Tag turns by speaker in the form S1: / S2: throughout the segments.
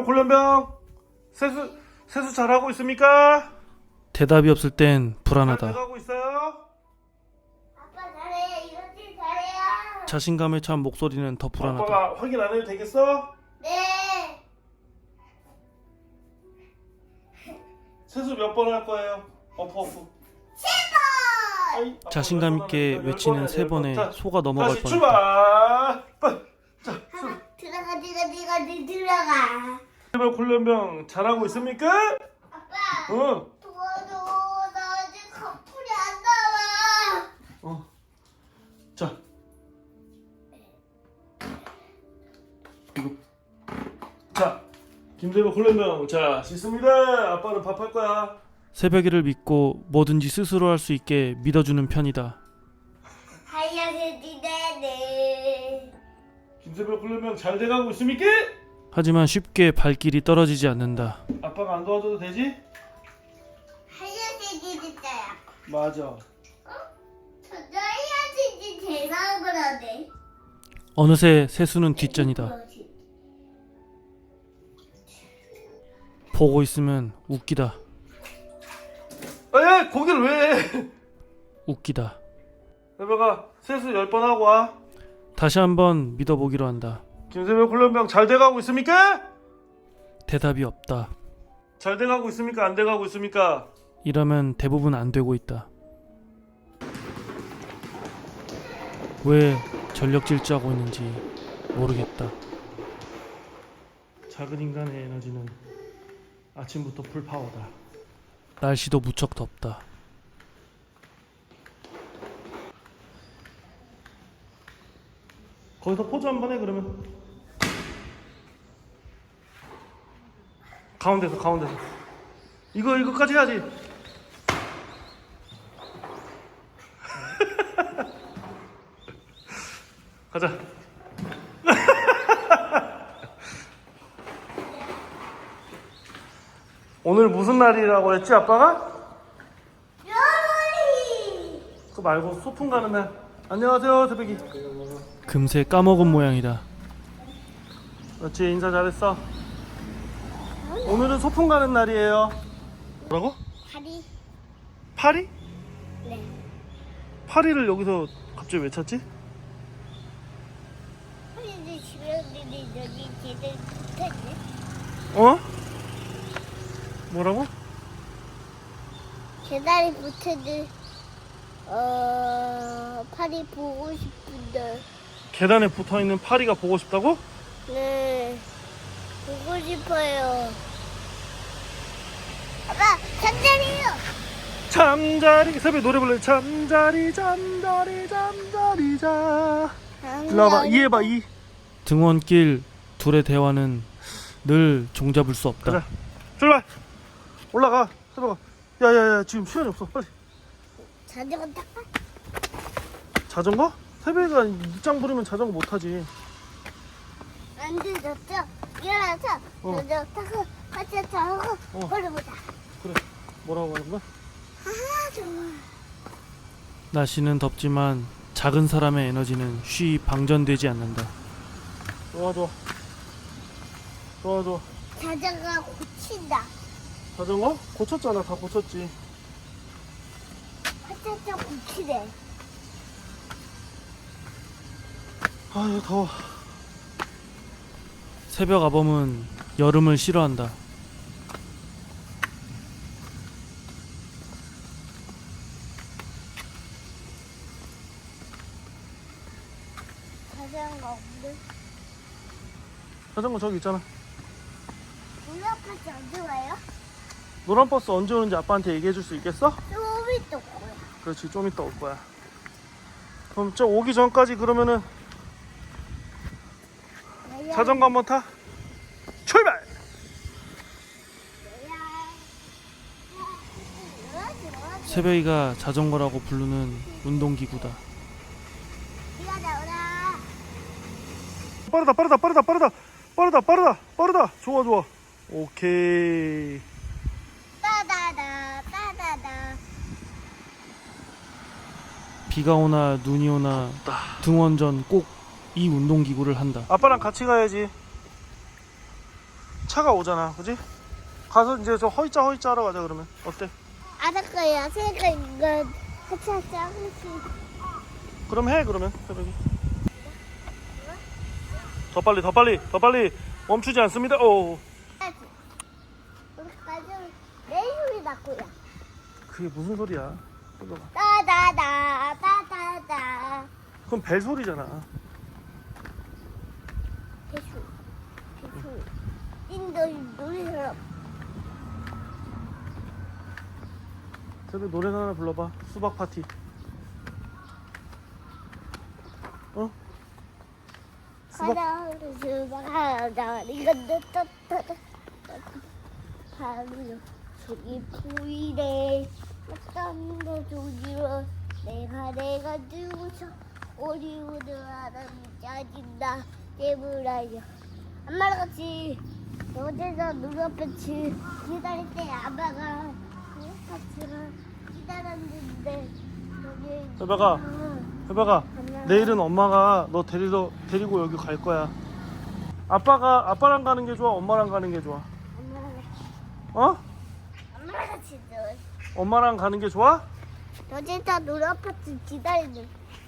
S1: 김세명 훈련병 세수 잘하고 있습니까?
S2: 대답이 없을 땐
S1: 잘
S2: 불안하다.
S1: 돼가고 있어요?
S3: 아빠 잘해. 이렇게 잘해요.
S2: 자신감에 찬 목소리는 더 불안하다.
S1: 아빠가 확인 안 해도 되겠어?
S3: 네.
S1: 세수 몇 번 할 거예요? 어프
S3: 7번.
S2: 자신감 있게 외치는 세 번에 속아 넘어갈
S1: 다시
S2: 뻔했다.
S1: 출발! 자,
S3: 들어가.
S1: 김세명 훈련병 잘하고 있습니까?
S3: 아빠.
S1: 응.
S3: 도와줘. 나 아직 거풀이 안 나와.
S1: 자. 이거. 자, 김세명 훈련병 자 씻습니다. 아빠는 밥 할 거야.
S2: 새벽이를 믿고 뭐든지 스스로 할 수 있게 믿어주는 편이다.
S3: 하얀색이 네네.
S1: 김세명 훈련병 잘 돼가고 있습니까?
S2: 하지만 쉽게 발길이 떨어지지 않는다.
S1: 아빠가 안 도와줘도 되지?
S3: 하얀색이 됐어요.
S1: 맞아.
S3: 저도 하얀색이 대박을 하네.
S2: 어느새 세수는 뒷전이다. 보고 있으면 웃기다.
S1: 에 거길 왜 해?
S2: 웃기다.
S1: 세명아 세수 10번 하고 와.
S2: 다시 한번 믿어보기로 한다.
S1: 김세명 훈련병 잘 돼가고 있습니까?
S2: 대답이 없다.
S1: 잘 돼가고 있습니까? 안 돼가고 있습니까?
S2: 이러면 대부분 안 되고 있다. 왜 전력 질주하고 있는지 모르겠다.
S1: 작은 인간의 에너지는 아침부터 풀파워다.
S2: 날씨도 무척 덥다.
S1: 거기서 포즈 한번 해 그러면. 가운데서 이거까지 해야지. 가자. 오늘 무슨 날이라고 했지 아빠가?
S3: 여름이.
S1: 그거 말고 소풍 가는 날. 안녕하세요 새벽이.
S2: 금세 까먹은 모양이다.
S1: 그렇지 인사 잘했어. 오늘은 소풍 가는 날이에요. 뭐라고?
S3: 다리.
S1: 파리?
S3: 네.
S1: 파리를 여기서 갑자기 왜 찾지?
S3: 근데 집에 여기 제대로 붙었네.
S1: 어? 뭐라고?
S3: 계단이 붙어도 팔이 보고 싶은데.
S1: 계단에 붙어있는 파리가 보고 싶다고?
S3: 네. 보고 싶어요. 아빠 잠자리요.
S1: 잠자리 새벽에 노래 불러. 잠자리 자. 일로 와봐. 이 해봐 이.
S2: 등원길 둘의 대화는 늘 종잡을 수 없다.
S1: 가자. 출발. 올라가. 새벽아. 야야야 지금 시간이 없어. 빨리.
S3: 자전거 탈까?
S1: 자전거? 새벽이가 입장 부리면 자전거 못 타지.
S3: 안 되졌죠? 일어나서 자전거 타고 같이 타고 걸어보자.
S1: 그래. 뭐라고 하는 거야?
S3: 아 정말.
S2: 날씨는 덥지만 작은 사람의 에너지는 쉬이 방전되지 않는다.
S1: 좋아.
S3: 자전거 고친다.
S1: 자전거? 고쳤잖아. 다 고쳤지.
S3: 화차차 고치래.
S1: 아 이거 더워.
S2: 새벽 아범은 여름을 싫어한다.
S3: 자전거 없는.
S1: 자전거 저기 있잖아.
S3: 우리아파트 언제 와요?
S1: 노란 버스 언제 오는지 아빠한테 얘기해 줄 수 있겠어?
S3: 좀 이따 거야.
S1: 그렇지 좀 이따 올 거야. 그럼 저 오기 전까지 그러면은 자전거 한번 타. 출발.
S2: 새벽이가 자전거라고 부르는 운동기구다.
S3: 비가 나오라.
S1: 빠르다. 좋아. 오케이.
S3: 따다다.
S2: 비가 오나 눈이 오나 등원 전 꼭 이 운동기구를 한다.
S1: 아빠랑 같이 가야지. 차가 오잖아, 그지? 가서 이제 저 허이짜 하러 가자 그러면. 어때?
S3: 알았어요. 새가 이거 하차하차
S1: 그럼 해 그러면 새벽에. 더 빨리 멈추지 않습니다. 오.
S3: 우리까지 내 소리 났고요.
S1: 그게 무슨 소리야? 새벽아.
S3: 따다다다다다.
S1: 그건 벨 소리잖아.
S3: 대충. 인도 노래처럼.
S1: 새벽 노래 하나 불러봐. 수박 파티. 어? 수박.
S3: 가자, 수박 하자. 이건데 따따따. 바로 속이 보이네. 어떤 데 조지러 내가 두고서 오리오드 하나는 짜진다. 깨물어요. 엄마랑 같이 어제서 눈앞에 기다릴 때 아빠가 같이랑 기다렸는데 여기
S1: 새벽아. 해봐가. 내일은 엄마가 너 데리고 여기 갈 거야. 아빠랑 가는 게 좋아? 엄마랑 가는 게 좋아? 어?
S3: 엄마랑 같이
S1: 엄마랑 가는 게 좋아?
S3: 어제서 눈앞에 기다리는.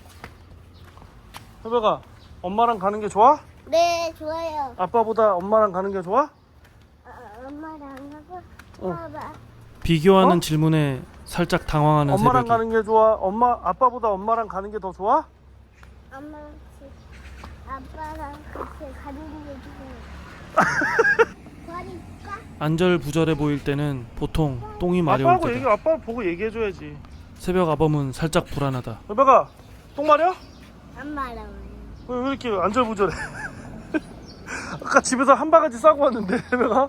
S1: 해봐가. 엄마랑 가는 게 좋아?
S3: 네, 좋아요.
S1: 아빠보다 엄마랑 가는 게 좋아?
S3: 엄마랑 안 가고
S1: 어.
S3: 봐봐.
S2: 비교하는
S1: 어?
S2: 질문에 살짝 당황하는
S1: 엄마랑
S2: 새벽이.
S1: 가는 게 좋아? 아빠보다 엄마랑 가는 게 더 좋아?
S3: 엄마랑 같이 아빠랑 같이 가는 게 좋아요. 버릴까?
S2: 안절부절해 보일 때는 보통 똥이 마려울 때다.
S1: 아빠 보고 얘기해줘야지.
S2: 새벽 아범은 살짝 불안하다.
S1: 해봐가. 똥 마려?
S3: 엄마랑.
S1: 왜 이렇게 안절부절해? 아까 집에서 한 바가지 싸고 왔는데 해봐가.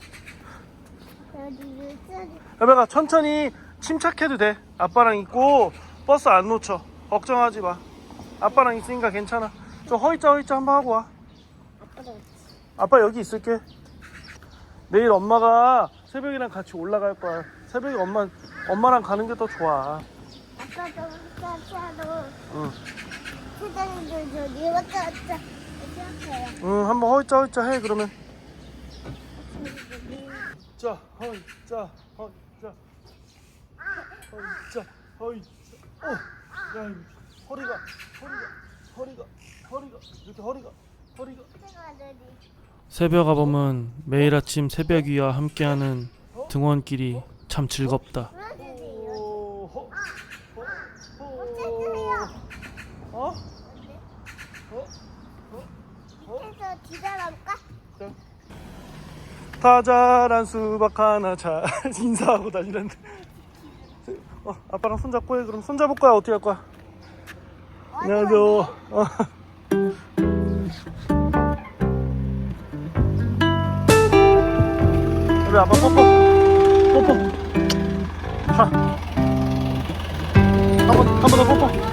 S1: 해봐가 천천히 침착해도 돼. 아빠랑 있고 버스 안 놓쳐. 걱정하지 마. 아빠랑 있으니까 괜찮아. 좀 허이짜 한번 하고 와.
S3: 아빠랑 같이.
S1: 아빠 여기 있을게. 내일 엄마가 새벽이랑 같이 올라갈 거야. 새벽에 엄마랑 가는 게 더 좋아.
S3: 아빠도 차차도
S1: 응.
S3: 세상에도 저기 왔다 생각해요.
S1: 응, 한번 허이짜 해 그러면. 자, 허이짜. 야, 허리가 이렇게 허리가.
S2: 새벽 아범은 매일 아침 새벽이와 함께하는 등원길이 참 즐겁다.
S1: 어?
S3: 해서 기다려볼까?
S1: 다 자란 수박 하나 잘 인사하고 다니는데. 아빠랑 손잡고 해. 그럼 손잡을 거야? 어떻게 할 거야? 안녕하세요. 우리 아빠 뽀뽀. 한 번 더 뽀뽀.